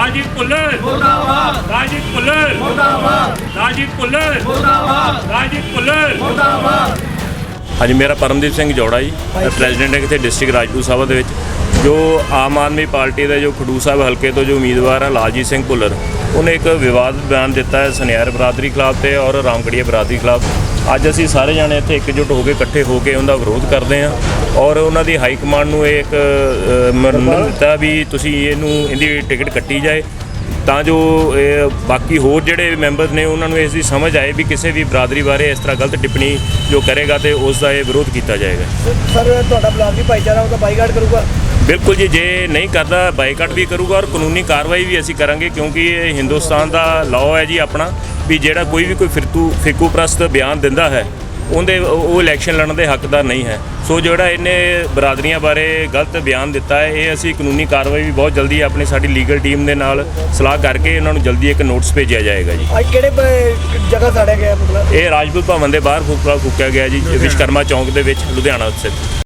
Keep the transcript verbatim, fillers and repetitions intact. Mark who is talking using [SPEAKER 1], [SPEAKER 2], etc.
[SPEAKER 1] ਰਾਜੀਵ ਭੁੱਲਰ ਮੁਰਦਾਬਾਦ, ਰਾਜੀਵ ਭੁੱਲਰ ਮੁਰਦਾਬਾਦ, ਰਾਜੀਵ ਭੁੱਲਰ ਮੁਰਦਾਬਾਦ, ਰਾਜੀਵ ਭੁੱਲਰ ਮੁਰਦਾਬਾਦ। ਹਾਂਜੀ, ਮੇਰਾ ਪਰਮਦੀਪ ਸਿੰਘ ਜੋੜਾ ਜੀ, ਪ੍ਰੈਜ਼ੀਡੈਂਟ ਹੈ ਇੱਥੇ ਡਿਸਟ੍ਰਿਕਟ ਰਾਜਪੂਤ ਸਾਹਿਬ ਦੇ ਵਿੱਚ। ਜੋ ਆਮ ਆਦਮੀ ਪਾਰਟੀ ਦੇ ਜੋ ਖਡੂਰ ਸਾਹਿਬ ਹਲਕੇ ਤੋਂ ਜੋ ਉਮੀਦਵਾਰ ਹੈ ਲਾਲਜੀਤ ਸਿੰਘ ਭੁੱਲਰ, ਉਹਨੇ ਇੱਕ ਵਿਵਾਦਤ ਬਿਆਨ ਦਿੱਤਾ ਹੈ ਸੁਨਿਆਰ ਬਰਾਦਰੀ ਖਿਲਾਫ ਤੇ ਔਰ ਰਾਮਗੜੀਆ ਬਰਾਦਰੀ ਖਿਲਾਫ। ਅੱਜ ਅਸੀਂ ਸਾਰੇ ਜਾਣੇ ਇੱਥੇ ਇਕਜੁੱਟ ਹੋ ਕੇ ਇਕੱਠੇ ਹੋ ਕੇ ਉਹਦਾ ਵਿਰੋਧ ਕਰਦੇ ਹਾਂ ਔਰ ਉਹਨਾਂ ਦੀ ਹਾਈ ਕਮਾਂਡ ਨੂੰ ਇਹ ਇੱਕ ਮੰਨ ਦਿੱਤਾ ਵੀ ਤੁਸੀਂ ਇਹਨੂੰ ਇਹਦੀ ਟਿਕਟ ਕੱਟੀ ਜਾਏ ਤਾਂ ਜੋ ਬਾਕੀ ਹੋਰ ਜਿਹੜੇ ਮੈਂਬਰ ਨੇ ਉਹਨਾਂ ਨੂੰ ਇਸ ਦੀ ਸਮਝ ਆਏ ਵੀ ਕਿਸੇ ਵੀ ਬਰਾਦਰੀ ਬਾਰੇ ਇਸ ਤਰ੍ਹਾਂ ਗਲਤ ਟਿੱਪਣੀ ਜੋ ਕਰੇਗਾ ਤੇ ਉਸ ਦਾ ਇਹ ਵਿਰੋਧ ਕੀਤਾ ਜਾਏਗਾ।
[SPEAKER 2] ਸਰ, ਤੁਹਾਡਾ ਬਲਾਕ ਭਾਈਚਾਰਾ ਉਹਦਾ ਬਾਈਕਾਟ ਕਰੂਗਾ?
[SPEAKER 1] ਬਿਲਕੁਲ ਜੀ, ਜੇ ਨਹੀਂ ਕਰਦਾ ਬਾਈਕਾਟ ਵੀ ਕਰੂਗਾ ਔਰ ਕਾਨੂੰਨੀ ਕਾਰਵਾਈ ਵੀ ਅਸੀਂ ਕਰਾਂਗੇ, ਕਿਉਂਕਿ ਇਹ ਹਿੰਦੁਸਤਾਨ ਦਾ ਲਾਅ ਹੈ ਜੀ ਆਪਣਾ ਵੀ ਜਿਹੜਾ ਕੋਈ ਵੀ ਕੋਈ ਫਿਰਤੂ ਫਿਰਕੂ ਪ੍ਰਸਤ ਬਿਆਨ ਦਿੰਦਾ ਹੈ ਉਹਦੇ ਉਹ ਇਲੈਕਸ਼ਨ ਲੜਨ ਦੇ ਹੱਕਦਾਰ ਨਹੀਂ ਹੈ। ਸੋ ਜਿਹੜਾ ਇਹਨੇ ਬਰਾਦਰੀਆਂ ਬਾਰੇ ਗਲਤ ਬਿਆਨ ਦਿੱਤਾ ਹੈ, ਇਹ ਅਸੀਂ ਕਾਨੂੰਨੀ ਕਾਰਵਾਈ ਵੀ ਬਹੁਤ ਜਲਦੀ ਆਪਣੀ ਸਾਡੀ ਲੀਗਲ ਟੀਮ ਦੇ ਨਾਲ ਸਲਾਹ ਕਰਕੇ ਇਹਨਾਂ ਨੂੰ ਜਲਦੀ ਇੱਕ ਨੋਟਿਸ ਭੇਜਿਆ ਜਾਏਗਾ ਜੀ।
[SPEAKER 2] ਅੱਜ ਕਿਹੜੇ ਜਗ੍ਹਾ ਸਾੜਿਆ ਗਿਆ? ਮਤਲਬ
[SPEAKER 1] ਇਹ ਰਾਜਪੂਤ ਭਵਨ ਦੇ ਬਾਹਰ ਫੂਕਿਆ ਗਿਆ ਜੀ, ਵਿਸ਼ਕਰਮਾ ਚੌਂਕ ਦੇ ਵਿੱਚ, ਲੁਧਿਆਣਾ ਸਥਿਤ।